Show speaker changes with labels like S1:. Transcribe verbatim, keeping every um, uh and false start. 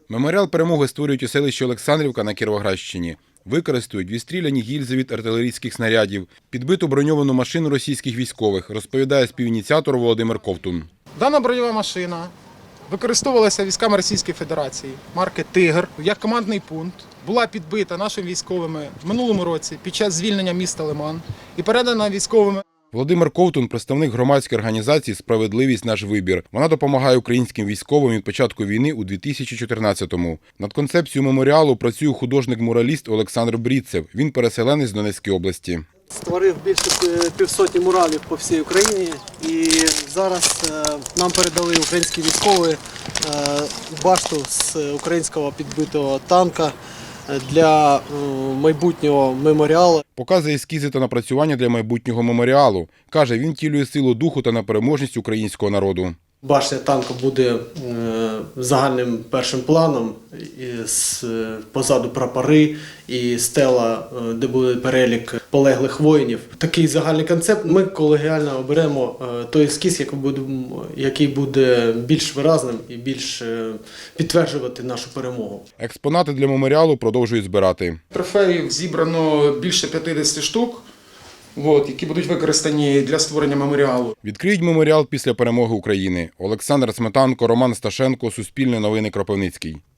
S1: Меморіал перемоги створюють у селищі Олександрівка на Кіровоградщині. Використають відстріляні гільзи від артилерійських снарядів, підбиту броньовану машину російських військових, розповідає співініціатор Володимир Ковтун.
S2: Дана бойова машина використовувалася військами Російської Федерації марки «Тигр» як командний пункт. Була підбита нашими військовими в минулому році під час звільнення міста Лиман і передана військовими.
S1: Володимир Ковтун – представник громадської організації «Справедливість. Наш вибір». Вона допомагає українським військовим від початку війни у дві тисячі чотирнадцятому. Над концепцією меморіалу працює художник-мураліст Олександр Брідцев. Він переселенець з Донецької області.
S3: Створив більше півсотні муралів по всій Україні, і зараз нам передали українські військові башту з українського підбитого танка для майбутнього меморіалу.
S1: Показує ескізи та напрацювання для майбутнього меморіалу. Каже, він втілює силу духу та непереможність українського народу.
S3: Башня танку буде загальним першим планом, позаду прапори і стела, де буде перелік полеглих воїнів. Такий загальний концепт. Ми колегіально оберемо той ескіз, який буде більш виразним і більш підтверджувати нашу перемогу.
S1: Експонати для меморіалу продовжують збирати.
S2: Трофеїв зібрано більше п'ятдесят штук, От, які будуть використані для створення меморіалу.
S1: Відкриють меморіал після перемоги України. Олександр Сметанко, Роман Сташенко, Суспільне новини, Кропивницький.